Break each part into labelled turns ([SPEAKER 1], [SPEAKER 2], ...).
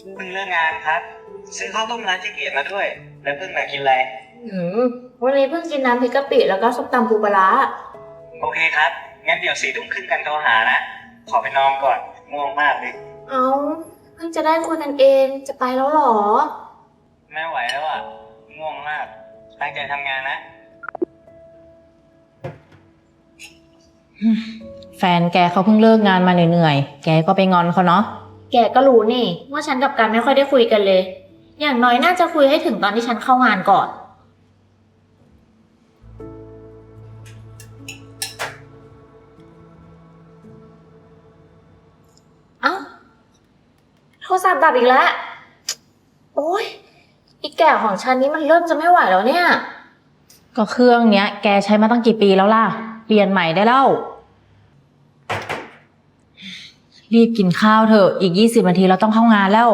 [SPEAKER 1] เพิ่งเลิกงานครับซื้อข้าวต้มร้านเจ๊เกียรติมาด้วยแล้วเพิ่งมากินอะไร
[SPEAKER 2] อืมวันนี้เพิ่งกินน้ำพริกกะปิแล้วก็ส้มตำปูปลาร้า
[SPEAKER 1] โอเคครับงั้นเดี๋ยว4 ทุ่มครึ่งกันโทรหานะขอไปนอนก่อนง่วงมากเลย
[SPEAKER 2] เอาเพิ่งจะได้คุยกันเองจะไปแล้วหรอ
[SPEAKER 1] ไม่ไหวแล้วอ่ะง่วงมากตั้งใจทำงานนะ
[SPEAKER 3] แฟนแกเขาเพิ่งเลิกงานมาเหนื่อยๆแกก็ไปงอนเขาเนาะ
[SPEAKER 2] แกก็รู้นี่ว่าฉันกับกันไม่ค่อยได้คุยกันเลยอย่างน้อยน่าจะคุยให้ถึงตอนที่ฉันเข้างานก่อนเอ้าโทรศัพท์ดับอีกแล้วโอ๊ยอีแก่ของฉันนี้มันเริ่มจะไม่ไหวแล้วเนี่ย
[SPEAKER 3] ก็เครื่องเนี้ยแกใช้มาตั้งกี่ปีแล้วล่ะเปลี่ยนใหม่ได้แล้วรีบกินข้าวเถอะอีก20 นาทีเราต้องเข้างานแล้ว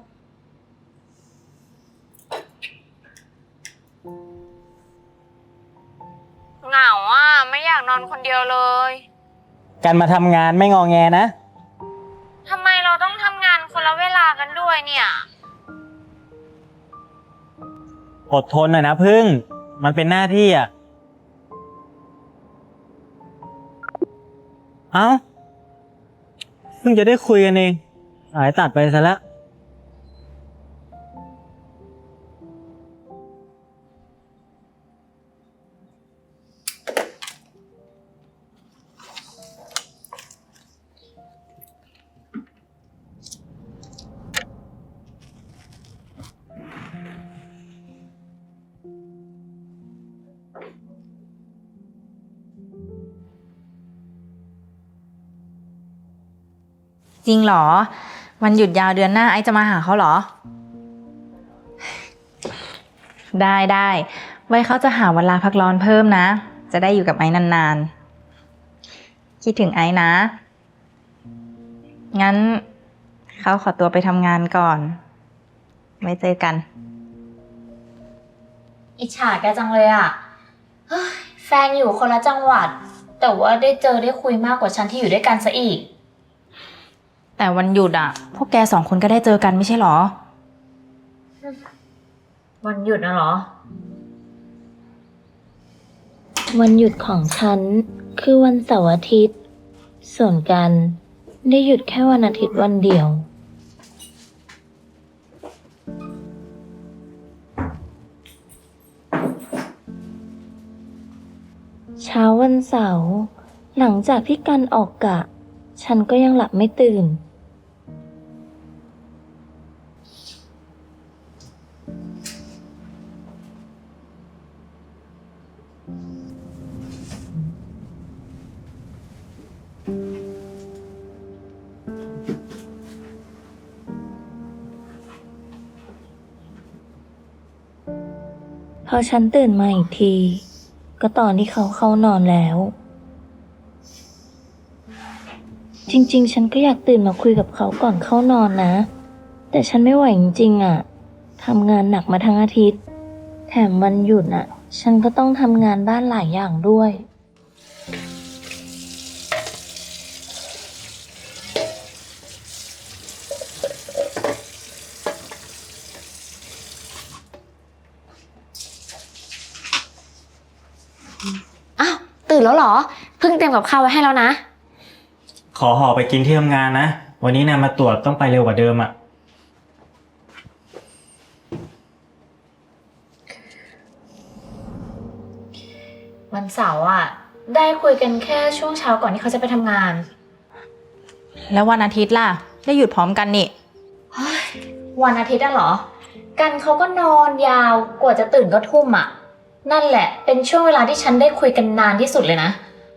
[SPEAKER 2] เหงาอ่ะไม่อยากนอนคนเดียวเลย
[SPEAKER 1] การมาทำงานไม่งอแงนะ
[SPEAKER 2] ทำไมเราต้องทำงานคนละเวลากันด้วยเนี่ย
[SPEAKER 1] อดทนหน่อยนะพึ่งมันเป็นหน้าที่อ่ะเอ้าเพิ่งจะได้คุยกันเองสายตัดไปซะแล้ว
[SPEAKER 3] จริงเหรอวันหยุดยาวเดือนหน้าไอจะมาหาเขาเหรอได้ไว้เขาจะหาเวลาพักร้อนเพิ่มนะจะได้อยู่กับไอ้นานๆคิดถึงไอ้นะงั้นเขาขอตัวไปทำงานก่อนไว้เจอกัน
[SPEAKER 2] อิจฉาแกจังเลยอ่ะเฮ้ยแฟนอยู่คนละจังหวัดแต่ว่าได้เจอได้คุยมากกว่าฉันที่อยู่ด้วยกันซะอีก
[SPEAKER 3] แต่วันหยุดอ่ะพวกแก2 คนก็ได้เจอกันไม่ใช่เหรอ
[SPEAKER 2] วันหยุดนะเหรอวันหยุดของฉันคือวันเสาร์อาทิตย์ส่วนกันได้หยุดแค่วันอาทิตย์วันเดียวเช้าวันเสาร์หลังจากที่กันออกกะฉันก็ยังหลับไม่ตื่นพอฉันตื่นมาอีกทีก็ตอนที่เขาเข้านอนแล้วจริงๆฉันก็อยากตื่นมาคุยกับเขาก่อนเข้านอนนะแต่ฉันไม่ไหวจริงๆอ่ะทำงานหนักมาทั้งอาทิตย์แถมวันหยุดอ่ะฉันก็ต้องทำงานบ้านหลายอย่างด้วยอ้าวตื่นแล้วเหรอเพิ่งเตรียมกับข้าวไว้ให้แล้วนะ
[SPEAKER 1] ขอห่อไปกินที่ทำงานนะวันนี้นายมาตรวจต้องไปเร็วกว่าเดิมอ่ะ
[SPEAKER 2] วันเสาร์อ่ะได้คุยกันแค่ช่วงเช้าก่อนที่เขาจะไปทำงาน
[SPEAKER 3] แล้ววันอาทิตย์ล่ะได้หยุดพร้อมกันนี่
[SPEAKER 2] วันอาทิตย์อะเหรอกันเขาก็นอนยาวกว่าจะตื่นก็ทุ่มอ่ะนั่นแหละเป็นช่วงเวลาที่ฉันได้คุยกันนานที่สุดเลยนะ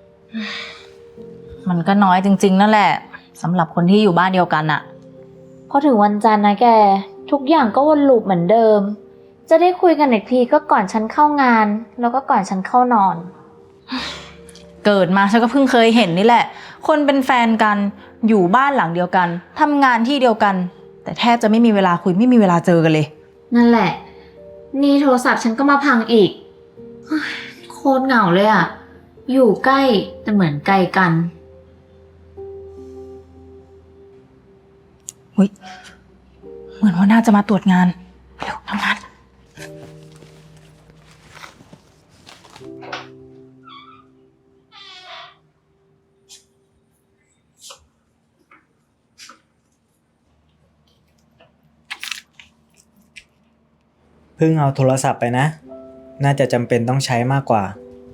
[SPEAKER 3] มันก็น้อยจริงๆนั่นแหละสำหรับคนที่อยู่บ้านเดียวกันอะ
[SPEAKER 2] พอถึงวันจันทร์นะแกทุกอย่างก็วนลูปเหมือนเดิมจะได้คุยกันอีกทีก็ก่อนฉันเข้างานแล้วก็ก่อนฉันเข้านอน
[SPEAKER 3] เกิดมาฉันก็เพิ่งเคยเห็นนี่แหละคนเป็นแฟนกันอยู่บ้านหลังเดียวกันทำงานที่เดียวกันแต่แทบจะไม่มีเวลาคุยไม่มีเวลาเจอกันเลย
[SPEAKER 2] นั่นแหละนี่โทรศัพท์ฉันก็มาพังอีกโคตรเหงาเลยอะอยู่ใกล้แต่เหมือนไกลกัน
[SPEAKER 3] เหมือนว่าน่าจะมาตรวจงานเร็วทำงาน
[SPEAKER 4] เพิ่งเอาโทรศัพท์ไปนะ น่าจะจำเป็นต้องใช้มากกว่า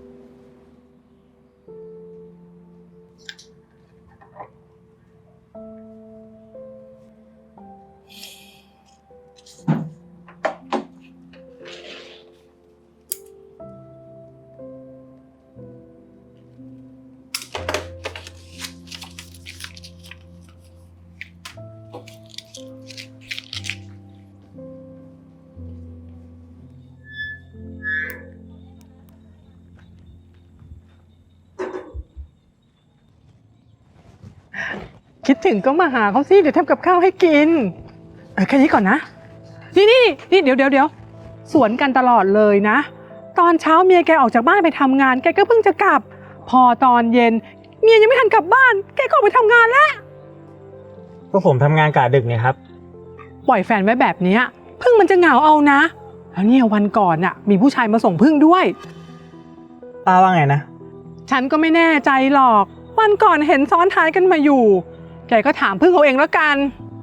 [SPEAKER 5] คิดถึงก็มาหาเขาสิเดี๋ยวทำกับข้าวให้กินแค่นี้ก่อนนะนี่เดี๋ยวสวนกันตลอดเลยนะตอนเช้าเมียแกออกจากบ้านไปทำงานแกก็เพิ่งจะกลับพอตอนเย็นเมียยังไม่ทันกลับบ้านแกก็ออกไปทำงานแล้ว
[SPEAKER 4] ก็ผมทำงานกะดึกเนี่ยครับ
[SPEAKER 5] ปล่อยแฟนไว้แบบนี้พึ่งมันจะเหงาเอานะแล้วเนี่ยวันก่อนน่ะมีผู้ชายมาส่งพึ่งด้วย
[SPEAKER 4] ป้าว่าไงนะ
[SPEAKER 5] ฉันก็ไม่แน่ใจหรอกวันก่อนเห็นซ้อนท้ายกันมาอยู่แกก็ถามพึ่งเอาเองแล้วกัน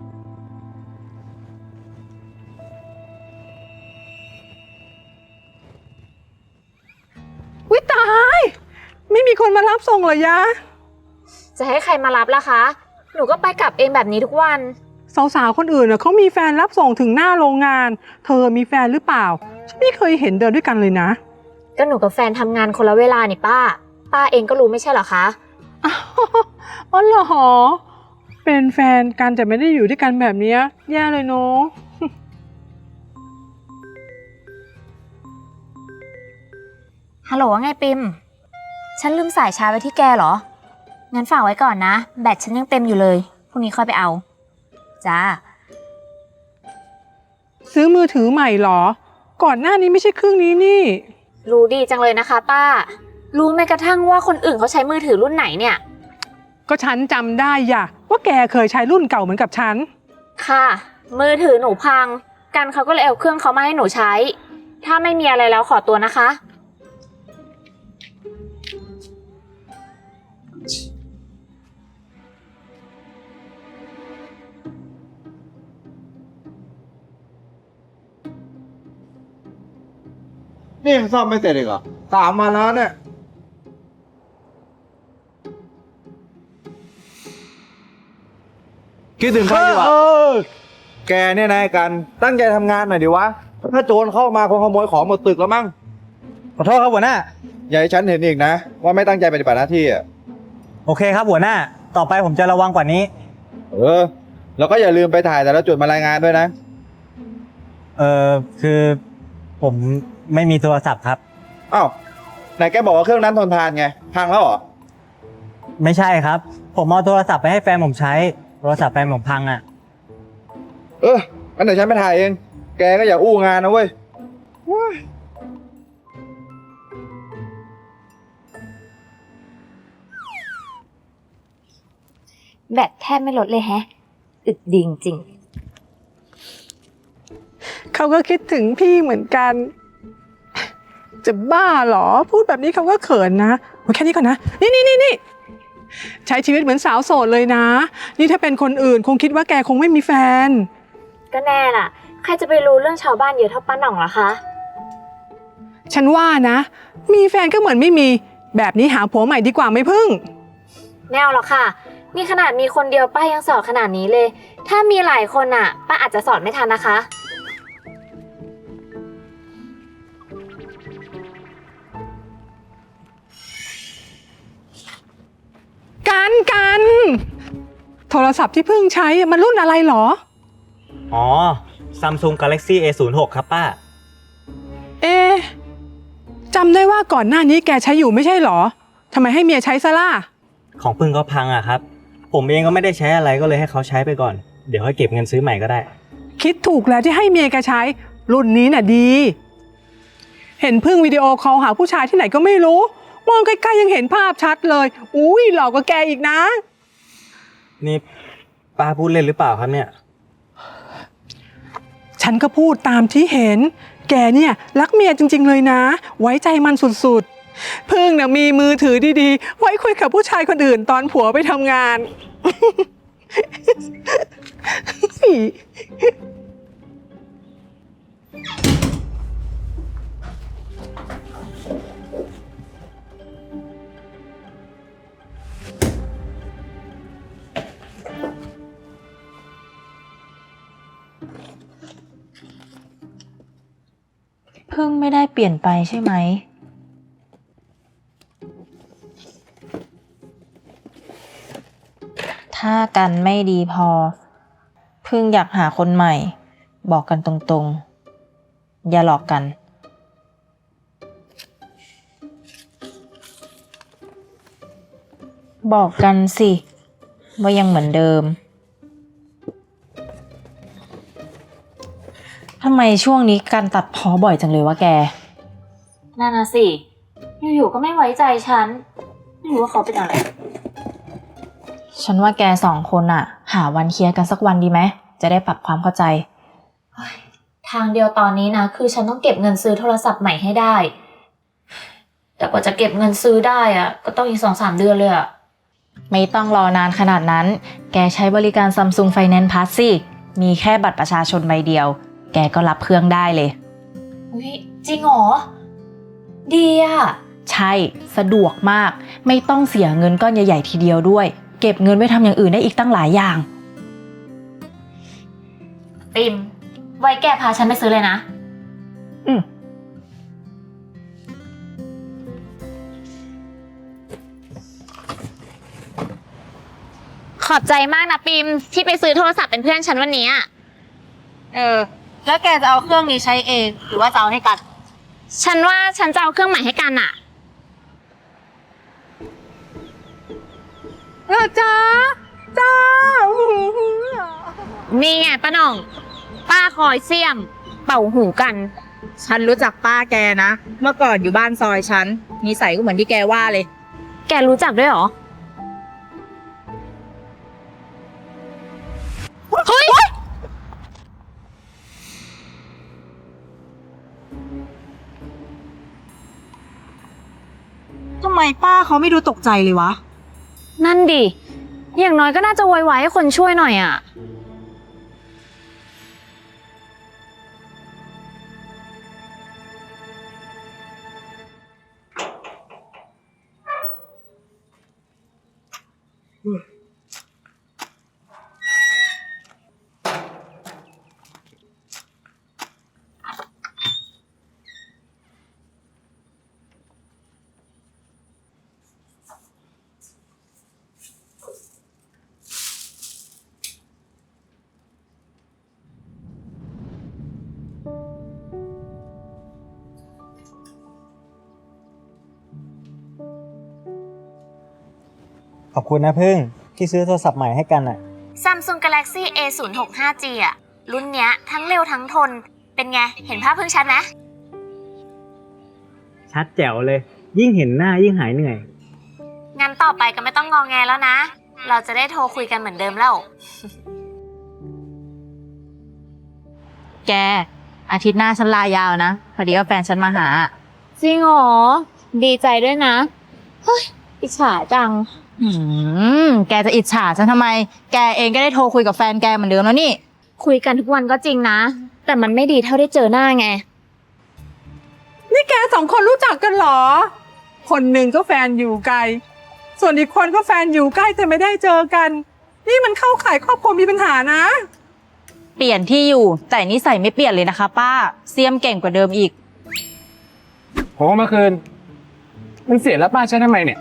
[SPEAKER 5] วิตายไม่มีคนมารับส่งเหรอยะ
[SPEAKER 6] จะให้ใครมารับล่ะคะ หนูก็ไปกลับเองแบบนี้ทุกวัน
[SPEAKER 5] สาวๆคนอื่นเขามีแฟนรับส่งถึงหน้าโรงงานเธอมีแฟนหรือเปล่าฉันไม่เคยเห็นเดินด้วยกันเลยนะ
[SPEAKER 6] ก็หนูกับแฟนทำงานคนละเวลานี่ป้าเองก็รู้ไม่ใช่เหรอคะ
[SPEAKER 5] อ๋อเหรอเป็นแฟนกันแต่ไม่ได้อยู่ด้วยกันแบบนี้แย่เลยเนาะ
[SPEAKER 6] ฮัลโหลว่าไงปิม ฉันลืมสายชาร์จไว้ที่แกเหรอ งั้นฝากไว้ก่อนนะ แบตฉันยังเต็มอยู่เลย พรุ่งนี้ค่อยไปเอา จ้า
[SPEAKER 5] ซื้อมือถือใหม่เหรอก่อนหน้านี้ไม่ใช่เครื่องนี้นี่
[SPEAKER 6] รู้ดีจังเลยนะคะป้า รู้แม้กระทั่งว่าคนอื่นเขาใช้มือถือรุ่นไหนเนี่ย
[SPEAKER 5] ก็ฉันจำได้ย่ะว่าแกเคยใช้รุ่นเก่าเหมือนกับฉัน
[SPEAKER 6] ค่ะ มือถือหนูพัง กันเขาก็เลยเอาเครื่องเขามาให้หนูใช้ ถ้าไม่มีอะไรแล้วขอตัวนะคะ
[SPEAKER 7] นี่ยังซ่อมไม่เสร็จอีกเหรอ3 วันแล้วเนี่ย คิดถึงใครดีวะแกเนี่ยนายกันตั้งใจทำงานหน่อยดิวะ ถ้าโจรเข้ามาคงขโมยของหมดตึกแล้วมั้ง
[SPEAKER 4] ขอโทษครับหัวหน้า
[SPEAKER 7] อย่าให้ฉันเห็นอีกนะ ว่าไม่ตั้งใจปฏิบัติหน้าที่อ่ะ
[SPEAKER 4] โอเคครับหัวหน้า ต่อไปผมจะระวังกว่านี้
[SPEAKER 7] แล้วก็อย่าลืมไปถ่ายแต่ละจุดมารายงานด้วยนะ
[SPEAKER 4] คือผมไม่มีโทรศัพท์ครับ
[SPEAKER 7] อ้าวไหนแกบอกว่าเครื่องนั้นทนทานไง พังแล้วเหรอ
[SPEAKER 4] ไม่ใช่ครับ ผมเอาโทรศัพท์ไปให้แฟนผมใช้ โทรศัพท์แฟนผมพังอ่ะ
[SPEAKER 7] งั้นเดี๋ยวฉันไปถ่ายเอง แกก็อย่าอู้งานนะเว้ย
[SPEAKER 6] แบตแทบไม่ลดเลยแฮะ อึดดีจริง
[SPEAKER 5] เขาก็คิดถึงพี่เหมือนกัน จะบ้าเหรอพูดแบบนี้เขาก็เขินนะโอ้ยแค่นี้ก่อนนะนี่ใช้ชีวิตเหมือนสาวโสดเลยนะ นี่ถ้าเป็นคนอื่นคงคิดว่าแกคงไม่มีแฟน
[SPEAKER 6] ก็แน่ล่ะ ใครจะไปรู้เรื่องชาวบ้านเยอะเท่าป้าหน่องล่ะคะ
[SPEAKER 5] ฉันว่านะ มีแฟนก็เหมือนไม่มี แบบนี้หาผัวใหม่ดีกว่าไหมพึ่ง
[SPEAKER 6] แนวหรอกค่ะ นี่ขนาดมีคนเดียวป้ายังสอนขนาดนี้เลย ถ้ามีหลายคนอ่ะ ป้าอาจจะสอนไม่ทันนะคะ
[SPEAKER 5] กันโทรศัพท์ที่พึ่งใช้มันรุ่นอะไรเหรอ
[SPEAKER 4] อ๋อ Samsung Galaxy A06 ครับป้า
[SPEAKER 5] เอ๊ะจำได้ว่าก่อนหน้านี้แกใช้อยู่ไม่ใช่เหรอทำไมให้เมียใช้ซะล่ะ
[SPEAKER 4] ของพึ่งก็พังอ่ะครับ ผมเองก็ไม่ได้ใช้อะไรก็เลยให้เขาใช้ไปก่อน เดี๋ยวค่อยเก็บเงินซื้อใหม่ก็ได้
[SPEAKER 5] คิดถูกแล้วที่ให้เมียแกใช้ รุ่นนี้น่ะดี เห็นพึ่งวิดีโอคอลหาผู้ชายที่ไหนก็ไม่รู้ มองใกล้ๆยังเห็นภาพชัดเลยอุ้ยหลอกกว่าแกอีกนะ
[SPEAKER 4] นี่ป้าพูดเล่นหรือเปล่าครับเนี่ย
[SPEAKER 5] ฉันก็พูดตามที่เห็น แกเนี่ยรักเมียจริงๆเลยนะ ไว้ใจมันสุดๆพึ่งน่ะมีมือถือดีๆ ไว้คุยกับผู้ชายคนอื่นตอนผัวไปทำงาน
[SPEAKER 3] พึ่งไม่ได้เปลี่ยนไปใช่ไหม ถ้ากันไม่ดีพอ พึ่งอยากหาคนใหม่ บอกกันตรงๆ อย่าหลอกกัน บอกกันสิว่ายังเหมือนเดิม ทำไมช่วงนี้การตัดพ้อบ่อยจังเลยวะแก
[SPEAKER 2] นั่นน่ะสิอยู่ๆก็ไม่ไว้ใจฉันไม่รู้ว่าเขาเป็นอะไร
[SPEAKER 3] ฉันว่าแกสองคนอะหาวันเคลียร์กันสักวันดีไหม จะได้ปรับความเข้าใจ
[SPEAKER 2] ทางเดียวตอนนี้นะคือฉันต้องเก็บเงินซื้อโทรศัพท์ใหม่ให้ได้ แต่กว่าจะเก็บเงินซื้อได้อะก็ต้องอีก 2-3 เดือนเลยอะ
[SPEAKER 3] ไม่ต้องรอนานขนาดนั้น แกใช้บริการ Samsung Finance Plus สิ มีแค่บัตรประชาชนใบเดียว แกก็รับเครื่องได้เลย
[SPEAKER 2] อุ๊ยจริงเหรอดีอะ
[SPEAKER 3] ใช่ สะดวกมาก ไม่ต้องเสียเงินก้อนใหญ่ๆทีเดียวด้วย เก็บเงินไว้ทำอย่างอื่นได้อีกตั้งหลายอย่าง
[SPEAKER 2] ปิมไว้แกพาฉันไปซื้อเลยนะ
[SPEAKER 6] ขอบใจมากนะปิมที่ไปซื้อโทรศัพท์เป็นเพื่อนฉันวันนี้อะ
[SPEAKER 3] แล้วแกจะเอาเครื่องนี้ใช้เอง หรือว่าจะเอาให้กัน
[SPEAKER 6] ฉันว่าฉันจะเอาเครื่องใหม่ให้กันอะ
[SPEAKER 5] จ้า
[SPEAKER 6] นี่ไงป้าหน่อง ป้าคอยเสี่ยม เป่าหูกัน
[SPEAKER 3] ฉันรู้จักป้าแกนะ เมื่อก่อนอยู่บ้านซอยฉันนิสัยก็เหมือนที่แกว่าเลย
[SPEAKER 6] แกรู้จักด้วยเหรอ เฮ้ย
[SPEAKER 3] ทำไมป้าเขาไม่ดูตกใจเลยวะ
[SPEAKER 6] นั่นดิ อย่างน้อยก็น่าจะโวยวายให้คนช่วยหน่อยอะ
[SPEAKER 4] ขอบคุณนะพึ่งที่ซื้อโทรศัพท์ใหม่ให้กันอ่ะ
[SPEAKER 6] Samsung Galaxy A065G อะรุ่นเนี้ยทั้งเร็วทั้งทน เป็นไง เห็นภาพเพิ่งชัดไหม
[SPEAKER 4] ชัดแจ๋วเลย ยิ่งเห็นหน้ายิ่งหายเหนื่อย
[SPEAKER 6] งั้นต่อไปก็ไม่ต้องงอแงแล้วนะ เราจะได้โทรคุยกันเหมือนเดิมแล้ว
[SPEAKER 3] แก อาทิตย์หน้าฉันลายาวนะ พอดีว่าแฟนฉันมาหา
[SPEAKER 6] จริงเหรอ ดีใจด้วยนะ เฮ้ย อิจฉาจัง
[SPEAKER 3] แกจะอิจฉาฉันทำไม แกเองก็ได้โทรคุยกับแฟนแกเหมือนเดิมแล้วนี่
[SPEAKER 6] คุยกันทุกวันก็จริงนะ แต่มันไม่ดีเท่าได้เจอหน้าไง
[SPEAKER 5] นี่แกสองคนรู้จักกันเหรอ คนหนึ่งก็แฟนอยู่ไกล ส่วนอีกคนก็แฟนอยู่ใกล้แต่ไม่ได้เจอกัน นี่มันเข้าข่ายครอบครัวมีปัญหานะ
[SPEAKER 3] เปลี่ยนที่อยู่ แต่นิสัยไม่เปลี่ยนเลยนะคะ ป้า เสียมเก่งกว่าเดิมอีก
[SPEAKER 8] ผมเอามาคืน มันเสียแล้วป้าใช้ทำไมเนี่ย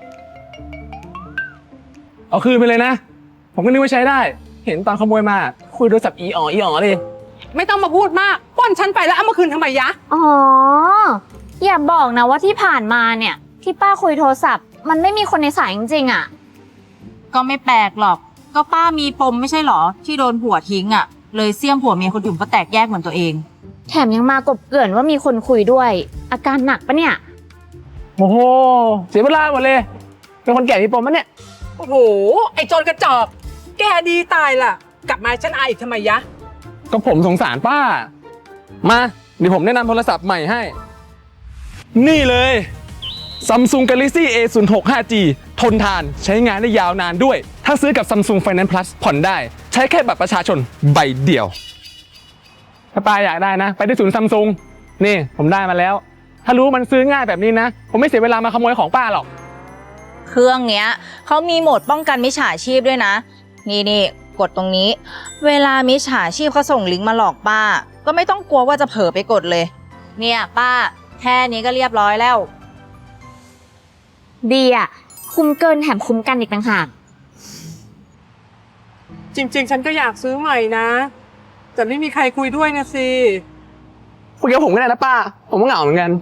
[SPEAKER 8] เอาคืนไปเลยนะ ผมก็นึกว่าใช้ได้ เห็นตอนขโมยมา คุยโทรศัพท์อีอ๋อเลย
[SPEAKER 5] ไม่ต้องมาพูดมากป้อนฉันไปแล้วเอามาคืนทำไมยะ
[SPEAKER 6] อ๋อ อย่าบอกนะว่าที่ผ่านมาเนี่ย ที่ป้าคุยโทรศัพท์ มันไม่มีคนในสายจริงๆอะ
[SPEAKER 3] ก็ไม่แปลกหรอก ก็ป้ามีปมไม่ใช่หรอ ที่โดนผัวทิ้งอ่ะ เลยเสียมผัวเมียคนอื่นก็แตกแยกเหมือนตัวเอง
[SPEAKER 6] แถมยังมากบเกลื่อนว่ามีคนคุยด้วย อาการหนักปะเนี่ย
[SPEAKER 8] โอ้โห เสียเวลาหมดเลย เป็นคนแก่มีปมมั้ยเนี่ย
[SPEAKER 5] โอ้โห ไอ้โจรกระจอก แกดีตายล่ะ กลับมาฉันอายอีกทำไมยะ
[SPEAKER 8] ก็ผมสงสารป้า มาเดี๋ยวผมแนะนำโทรศัพท์ใหม่ให้ นี่เลย Samsung Galaxy A06 5G ทนทานใช้งานได้ยาวนานด้วย ถ้าซื้อกับ Samsung Finance Plus ผ่อนได้ ใช้แค่บัตรประชาชนใบเดียว ถ้าป้าอยากได้นะ ไปที่ศูนย์ Samsung นี่ผมได้มาแล้ว ถ้ารู้มันซื้อง่ายแบบนี้นะ ผมไม่เสียเวลามาขโมยของป้าหรอก
[SPEAKER 3] เครื่องเนี้ยเขามีโหมดป้องกันมิจฉาชีพด้วยนะ นี่กดตรงนี้ เวลามิจฉาชีพเขาส่งลิงก์มาหลอกป้า ก็ไม่ต้องกลัวว่าจะเผลอไปกดเลย เนี่ยป้าแค่นี้ก็เรียบร้อยแล้ว
[SPEAKER 6] ดีอ่ะ คุ้มเกินแถมคุ้มกันอีกต่างหาก
[SPEAKER 5] จริง ๆ ฉันก็อยากซื้อใหม่นะ แต่ไม่มีใครคุยด้วยนะสิ
[SPEAKER 8] คุยกับผมก็ได้นะป้า ผมก็เหงาเหมือนกัน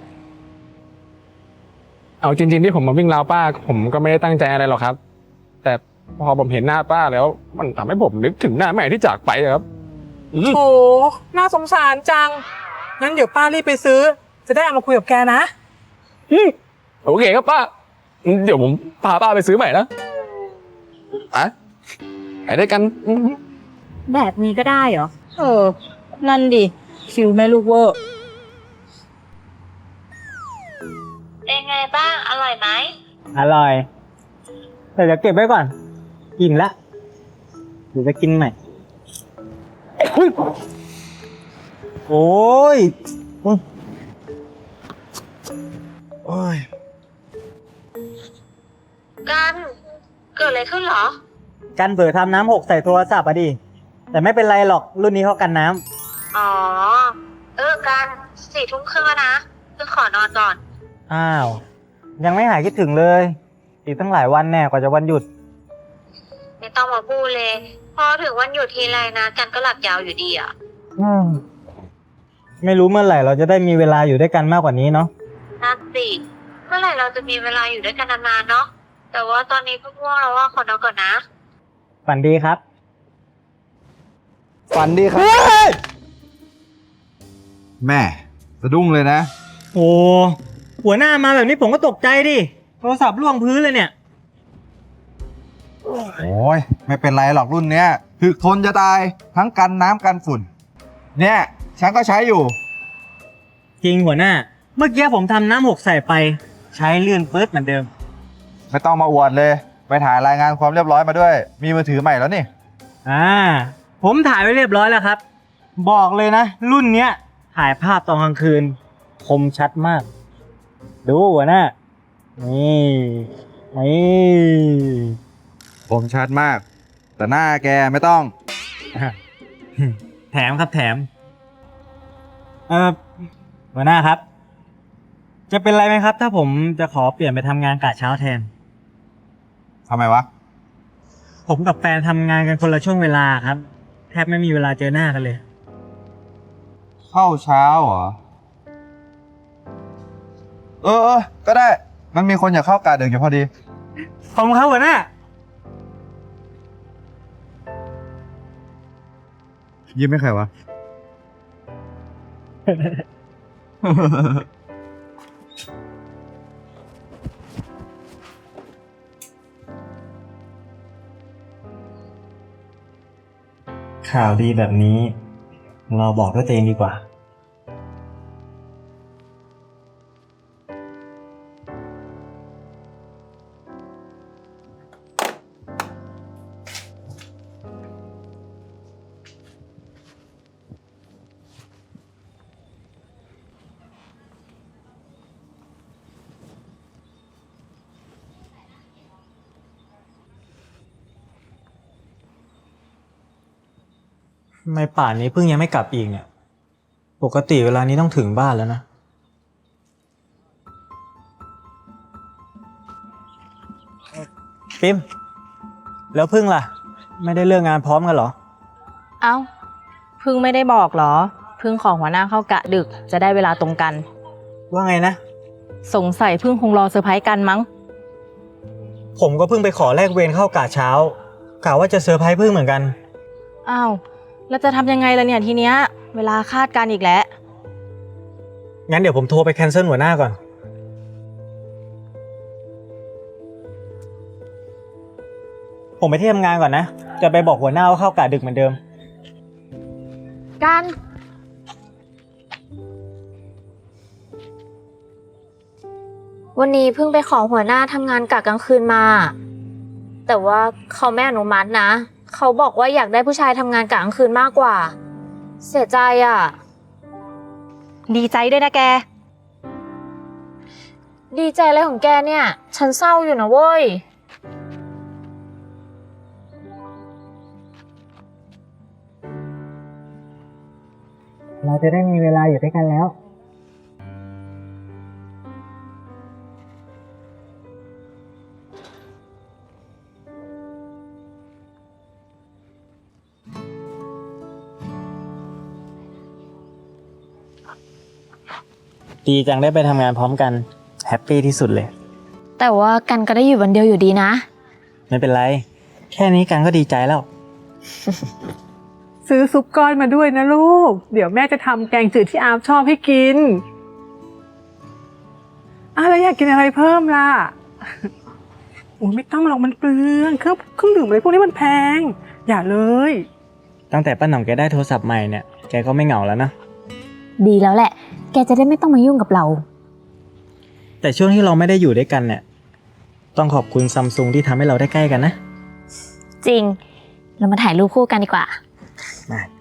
[SPEAKER 8] เอาจริง ๆที่ผมมาวิ่งราวป้า ผมก็ไม่ได้ตั้งใจอะไรหรอกครับ แต่พอผมเห็นหน้าป้าแล้ว มันทำให้ผมนึกถึงหน้าแม่ที่จากไปอะครับ
[SPEAKER 5] โถน่าสงสารจัง งั้นเดี๋ยวป้ารีบไปซื้อ จะได้เอามาคุยกับแกนะ
[SPEAKER 8] โอเคครับป้า เดี๋ยวผมพาป้าไปซื้อใหม่นะไปด้วยกัน
[SPEAKER 6] แบบนี้ก็ได้เหรอ
[SPEAKER 3] นั่นดิคิวแม่ลูกเวอร์
[SPEAKER 6] เป็นไงบ้าง อร่อยไหม
[SPEAKER 4] อร่อย แต่เดี๋ยวเก็บไว้ก่อน กินละเดี๋ยวจะกินใหม่โอ้ยโอ้ย
[SPEAKER 6] กัน เกิดอะไรขึ้นเหรอ
[SPEAKER 4] กันเผลอทำน้ำหกใส่โทรศัพท์อะดิ แต่ไม่เป็นไรหรอกรุ่นนี้เขากันน้ำ
[SPEAKER 6] อ๋อ กัน4 ทุ่มครึ่งแล้วนะเพิ่งขอนอนก่อน
[SPEAKER 4] อ้าว ยังไม่หายคิดถึงเลย อีกตั้งหลายวันแน่กว่าจะวันหยุด
[SPEAKER 6] ไม่ต้องมาพูดเลย พอถึงวันหยุดทีไรนะ กันก็หลับยาวอยู่ดีอ่ะ
[SPEAKER 4] ไม่รู้เมื่อไหร่เราจะได้มีเวลาอยู่ด้วยกันมากกว่านี้เนาะ
[SPEAKER 6] นั่นสิ เมื่อไหร่เราจะมีเวลาอยู่ด้วยกันนานๆเนาะ แต่ว่าตอนนี้ก็ง่วงแล้วว่าขอนอนก่อนนะ
[SPEAKER 4] ฝันดีครับ
[SPEAKER 7] ฝันดีครับ แม่สะดุ้งเลยนะ
[SPEAKER 4] โอ้หัวหน้ามาแบบนี้ผมก็ตกใจดิ โทรศัพท์ล่วงพื้นเลยเนี่ย
[SPEAKER 7] โอ้ยไม่เป็นไรหรอกรุ่นเนี้ยถึกทนจะตายทั้งกันน้ำกันฝุ่น เนี่ยฉันก็ใช้อยู่
[SPEAKER 4] จริงหัวหน้า เมื่อกี้ผมทำน้ำหกใส่ไป ใช้ลื่นปื๊ดเหมือนเดิม
[SPEAKER 7] ไม่ต้องมาอวดเลย ไปถ่ายรายงานความเรียบร้อยมาด้วย มีมือถือใหม่แล้วนี่
[SPEAKER 4] ผมถ่ายไว้เรียบร้อยแล้วครับ บอกเลยนะ รุ่นเนี้ย ถ่ายภาพตอนกลางคืน คมชัดมาก ดูหัวหน้า นี่
[SPEAKER 7] ผมชัดมาก แต่หน้าแกไม่ต้อง
[SPEAKER 4] แถมครับแถม หัวหน้าครับ จะเป็นไรไหมครับ ถ้าผมจะขอเปลี่ยนไปทำงานกะเช้าแทน
[SPEAKER 7] ทำไมวะ
[SPEAKER 4] ผมกับแฟนทำงานกันคนละช่วงเวลาครับ แทบไม่มีเวลาเจอหน้ากันเลย
[SPEAKER 7] เข้าเช้าเหรอ ก็ได้ มันมีคนอยากเข้ากะดึกอยู่พอดี
[SPEAKER 4] ขอบคุณครับหัวหน้า
[SPEAKER 7] ยิ้มไม่ใครวะ
[SPEAKER 4] ข่าวดีแบบนี้ เราบอกด้วยตัวเองดีกว่า ทำไมป่านนี้เพิ่งยังไม่กลับอีกเนี่ย ปกติเวลานี้ต้องถึงบ้านแล้วนะ ปิมแล้วพึ่งล่ะ ไม่ได้เลิกงานพร้อมกันเหรอ
[SPEAKER 3] เอ้าพึ่งไม่ได้บอกเหรอ พึ่งขอหัวหน้าเข้ากะดึกจะได้เวลาตรงกัน
[SPEAKER 4] ว่าไงนะ
[SPEAKER 3] สงสัยพึ่งคงรอเซอร์ไพรส์กันมั้ง
[SPEAKER 4] ผมก็เพิ่งไปขอแลกเวรเข้ากะเช้ากะว่าจะเซอร์ไพรส์พึ่งเหมือนกัน
[SPEAKER 3] อ้าวแล้วจะทำยังไงล่ะเนี่ยทีเนี้ยเวลาคาดการอีกแล้ว
[SPEAKER 4] งั้นเดี๋ยวผมโทรไปแคนเซิลหัวหน้าก่อน ผมไปที่ทำงานก่อนนะ จะไปบอกหัวหน้าว่าเข้ากะดึกเหมือนเดิม
[SPEAKER 6] กัน วันนี้เพิ่งไปขอหัวหน้าทำงานกะกลางคืนมา แต่ว่าเขาไม่อนุมัตินะ เขาบอกว่าอยากได้ผู้ชายทำงานกะกลางคืนมากกว่า เสียใจอ่ะ
[SPEAKER 3] ดีใจด้วยนะแก
[SPEAKER 6] ดีใจอะไรของแกเนี่ย ฉันเศร้าอยู่นะเว้ย
[SPEAKER 4] เราจะได้มีเวลาอยู่ด้วยกันแล้ว ดีจังได้ไปทำงานพร้อมกัน แฮปปี้ที่สุดเลย
[SPEAKER 6] แต่ว่ากันก็ได้อยู่วันเดียวอยู่ดีนะ
[SPEAKER 4] ไม่เป็นไร แค่นี้กันก็ดีใจแล้ว
[SPEAKER 5] ซื้อซุปก้อนมาด้วยนะลูก เดี๋ยวแม่จะทำแกงจืดที่อาร์มชอบให้กินแล้วอยากกินอะไรเพิ่มล่ะ โอ้ยไม่ต้องหรอกมันเปลืองเครื่องดื่มอะไรพวกนี้มันแพง อย่าเลย
[SPEAKER 4] ตั้งแต่ป้าหน่องแกได้โทรศัพท์ใหม่เนี่ย แกก็ไม่เหงาแล้วนะ
[SPEAKER 6] ดีแล้วแหละ แกจะได้ไม่ต้องมายุ่งกับเรา
[SPEAKER 4] แต่ช่วงที่เราไม่ได้อยู่ด้วยกันเนี่ย ต้องขอบคุณซัมซุงที่ทำให้เราได้ใกล้กันนะ
[SPEAKER 6] จริง เรามาถ่ายรูปคู่กันดีกว่า
[SPEAKER 4] มา